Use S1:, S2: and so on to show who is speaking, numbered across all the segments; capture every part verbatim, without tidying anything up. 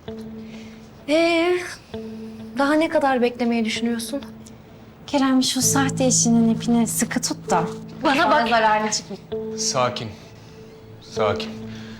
S1: Ee, daha ne kadar beklemeyi düşünüyorsun?
S2: Kerem şu sahte eşinin ipini sıkı tut da.
S1: Bana bak.
S2: Zararlı çıkmayın.
S3: Sakin. Sakin.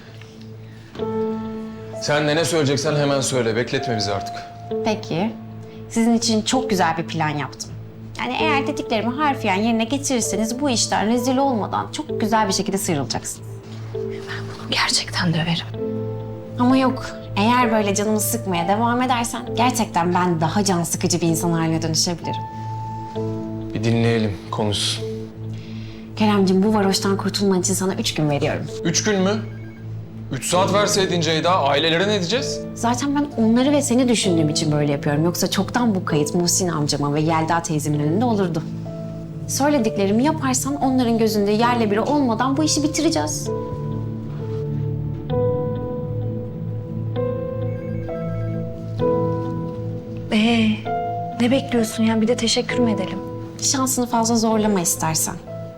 S3: Sen de ne söyleyeceksen hemen söyle. Bekletme bizi artık.
S2: Peki. Sizin için çok güzel bir plan yaptım. Yani eğer dediklerimi harfiyen yerine getirirseniz bu işten rezil olmadan çok güzel bir şekilde sıyrılacaksınız.
S1: Gerçekten döverim.
S2: Ama yok. Eğer böyle canımı sıkmaya devam edersen gerçekten ben daha can sıkıcı bir insan haline dönüşebilirim.
S3: Bir dinleyelim, konuş.
S2: Keremciğim bu varoştan kurtulman için sana üç gün veriyorum.
S3: Üç gün mü? Üç saat verseydin Ceyda, ailelere ne diyeceğiz?
S2: Zaten ben onları ve seni düşündüğüm için böyle yapıyorum. Yoksa çoktan bu kayıt Muhsin amcama ve Yelda teyzemin önünde olurdu. Söylediklerimi yaparsan onların gözünde yerle biri olmadan bu işi bitireceğiz.
S1: Ee, ne bekliyorsun ya? Bir de teşekkür mü edelim?
S2: Şansını fazla zorlama istersen.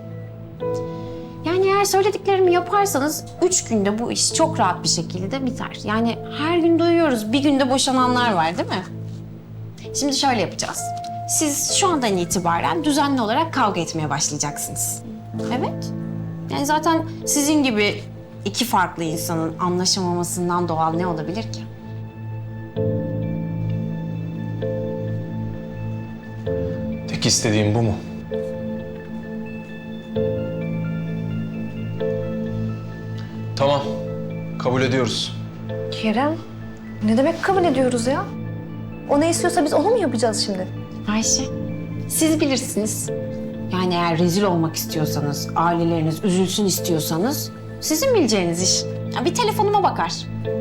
S2: Yani eğer söylediklerimi yaparsanız üç günde bu iş çok rahat bir şekilde biter. Yani her gün duyuyoruz, bir günde boşananlar var değil mi? Şimdi şöyle yapacağız. Siz şu andan itibaren düzenli olarak kavga etmeye başlayacaksınız. Evet. Yani zaten sizin gibi iki farklı insanın anlaşamamasından doğal ne olabilir ki?
S3: Tek istediğim bu mu? Tamam, kabul ediyoruz.
S1: Kerem, ne demek kabul ediyoruz ya? O ne istiyorsa biz onu mu yapacağız şimdi?
S2: Ayşe, siz bilirsiniz. Yani eğer rezil olmak istiyorsanız, aileleriniz üzülsün istiyorsanız sizin bileceğiniz iş. Ya bir telefonuma bakar.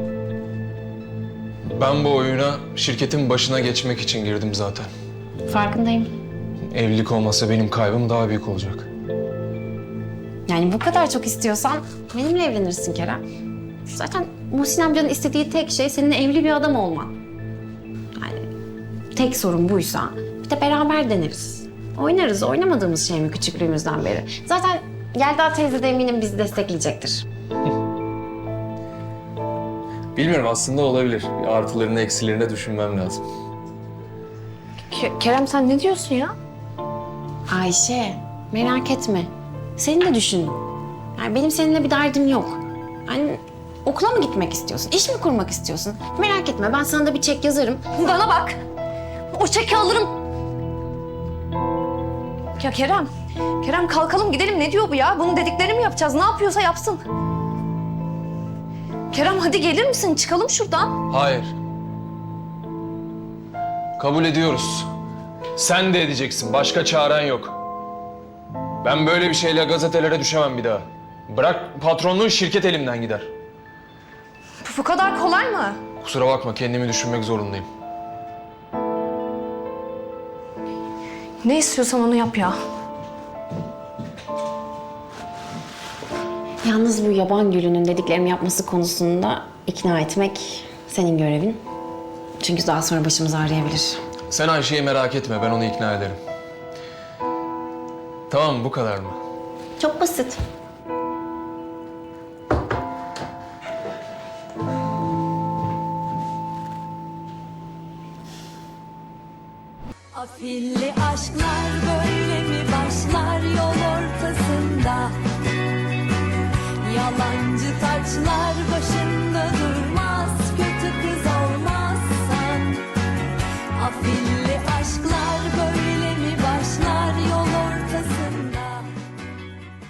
S3: Ben bu oyuna şirketin başına geçmek için girdim zaten.
S2: Farkındayım.
S3: Evlilik olmasa benim kaybım daha büyük olacak.
S2: Yani bu kadar çok istiyorsan benimle evlenirsin Kerem. Zaten Muhsin amcanın istediği tek şey senin evli bir adam olman. Yani tek sorun buysa bir de beraber deneriz. Oynarız, oynamadığımız şey mi küçüklüğümüzden beri? Zaten Yelda teyze de eminim bizi destekleyecektir.
S3: Bilmiyorum, aslında olabilir. Bir artılarını eksilerini düşünmem lazım.
S1: Ke- Kerem sen ne diyorsun ya?
S2: Ayşe, merak etme. Seni de düşündüm. Yani benim seninle bir derdim yok. Yani okula mı gitmek istiyorsun? İş mi kurmak istiyorsun? Merak etme, ben sana da bir çek yazarım.
S1: Bana bak. O çeki alırım. Ya Kerem, Kerem kalkalım gidelim. Ne diyor bu ya? Bunun dediklerini mi yapacağız? Ne yapıyorsa yapsın. Kerem hadi gelir misin? Çıkalım şuradan.
S3: Hayır. Kabul ediyoruz. Sen de edeceksin. Başka çaren yok. Ben böyle bir şeyle gazetelere düşemem bir daha. Bırak patronluğu, şirket elimden gider.
S1: Bu, bu kadar kolay mı?
S3: Kusura bakma, kendimi düşünmek zorundayım.
S1: Ne istiyorsan onu yap ya.
S2: Yalnız bu yaban gülünün dediklerimi yapması konusunda ikna etmek senin görevin. Çünkü daha sonra başımız ağrıyabilir.
S3: Sen Ayşe'yi merak etme, ben onu ikna ederim. Tamam, bu kadar mı?
S2: Çok basit.
S4: Afilli aşklar böyle mi başlar yol ortasında? Yalancı taçlar başında durmaz, kötü kız olmazsan. Afilli